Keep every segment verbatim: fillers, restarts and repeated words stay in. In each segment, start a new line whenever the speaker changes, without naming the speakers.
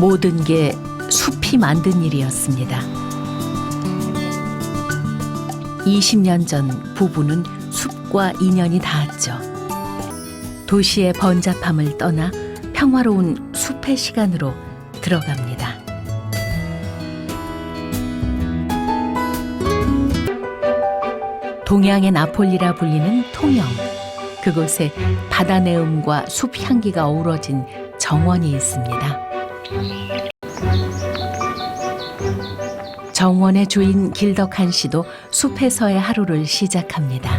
모든 게 숲이 만든 일이었습니다. 이십 년 전 부부는 숲과 인연이 닿았죠. 도시의 번잡함을 떠나 평화로운 숲의 시간으로 들어갑니다. 동양의 나폴리라 불리는 통영. 그곳에 바다 내음과 숲 향기가 어우러진 정원이 있습니다. 정원의 주인 길덕한 씨도 숲에서의 하루를 시작합니다.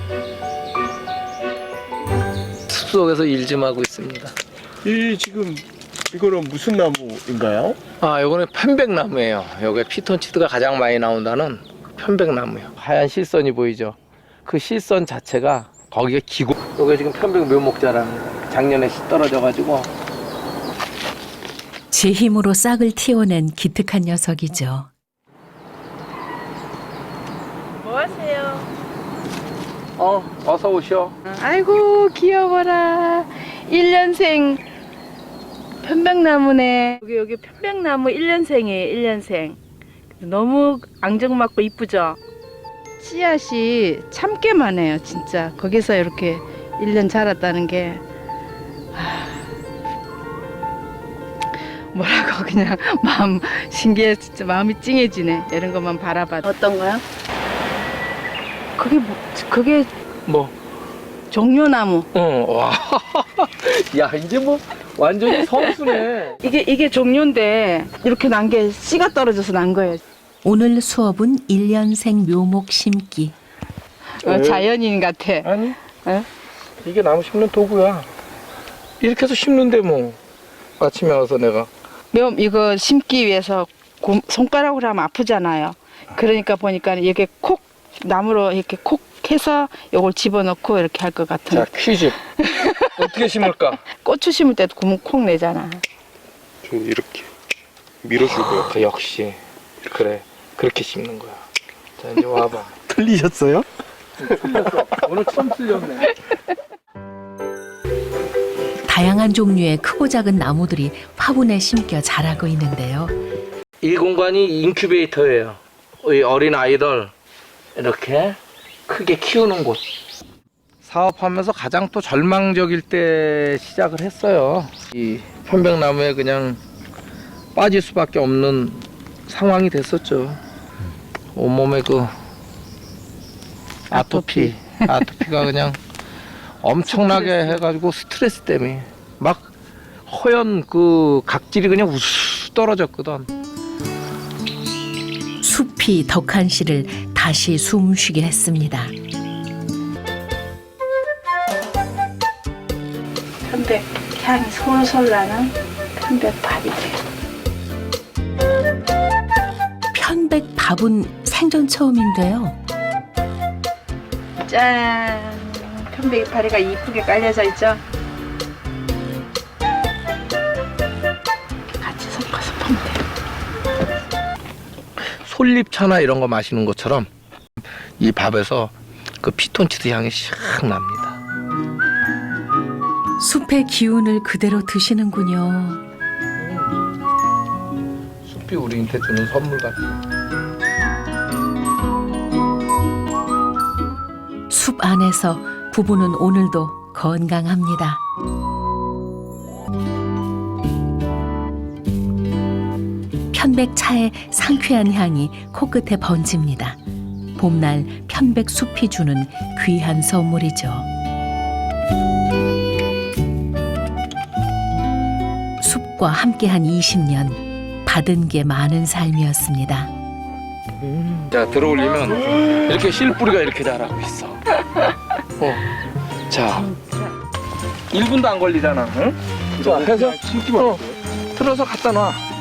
숲속에서 일 좀 하고 있습니다.
이 지금 이거는 무슨 나무인가요?
아, 요거는 편백나무예요. 여기 피톤치드가 가장 많이 나온다는 편백나무예요. 하얀 실선이 보이죠? 그 실선 자체가 거기가 기고. 요게 지금 편백 묘목자라는 거. 작년에 씨 떨어져가지고.
제 힘으로 싹을 틔워낸 기특한 녀석이죠.
뭐 하세요?
어, 어서 오셔.
아이고 귀여워라. 일 년생 편백나무네. 여기 여기 편백나무 일 년생이에요. 일 년생. 너무 앙증맞고 이쁘죠? 씨앗이 참깨만 해요. 진짜 거기서 이렇게 일 년 자랐다는 게 하... 뭐라고 그냥 마음 신기해. 진짜 마음이 찡해지네. 이런 것만 바라봐도. 어떤 거요? 그게 뭐 그게
뭐?
종려나무.
응, 와. 야, 이제 뭐 완전히 선수네.
이게 이게 종려인데 이렇게 난 게 씨가 떨어져서 난 거예요.
오늘 수업은 일 년생 묘목 심기.
어, 자연인 같아.
아니,
어?
이게 나무 심는 도구야. 이렇게 해서 심는데 뭐. 아침에 와서 내가.
묘 이거 심기 위해서 고, 손가락으로 하면 아프잖아요. 그러니까 보니까 이게 콕 나무로 이렇게 콕 해서 이걸 집어넣고 이렇게 할 것 같은.
자, 퀴즈. 어떻게 심을까?
고추 심을 때도 구멍 콕 내잖아.
좀 이렇게 밀어줄 거예요.
그 역시 그래, 그렇게 심는 거야. 자, 이제 와봐.
틀리셨어요?
틀렸어. 오늘 처음 틀렸네.
다양한 종류의 크고 작은 나무들이 화분에 심겨 자라고 있는데요.
이 공간이 인큐베이터예요. 이 어린 아이들 이렇게 크게 키우는 곳. 사업하면서 가장 또 절망적일 때 시작을 했어요. 이 편백나무에 그냥 빠질 수밖에 없는 상황이 됐었죠. 온몸에 그 아토피, 아토피가 그냥 엄청나게 해가지고 스트레스 때문에 막 허연 그 각질이 그냥 우수 떨어졌거든.
숲이 덕한 씨를 다시 숨쉬게 했습니다.
편백 향이 솔솔 나는 편백밥이지.
편백밥은 생전 처음인데요.
짠! 편백 파리가 이쁘게 깔려져 있죠? 같이 섞어서 보면 돼요.
솔잎차나 이런 거 마시는 것처럼 이 밥에서 그 피톤치드 향이 샥 납니다.
숲의 기운을 그대로 드시는군요.
숲이 우리한테 주는 선물 같아요.
숲 안에서 부부는 오늘도 건강합니다. 편백차의 상쾌한 향이 코끝에 번집니다. 봄날 편백숲이 주는 귀한 선물이죠. 숲과 함께한 이십 년, 받은 게 많은 삶이었습니다.
자, 들어올리면 이렇게 실뿌리가 이렇게 자라고 있어. 어. 자, 일 분도 안 걸리잖아. 응? 자, 해서
심기만
어, 틀어서 갖다 놔.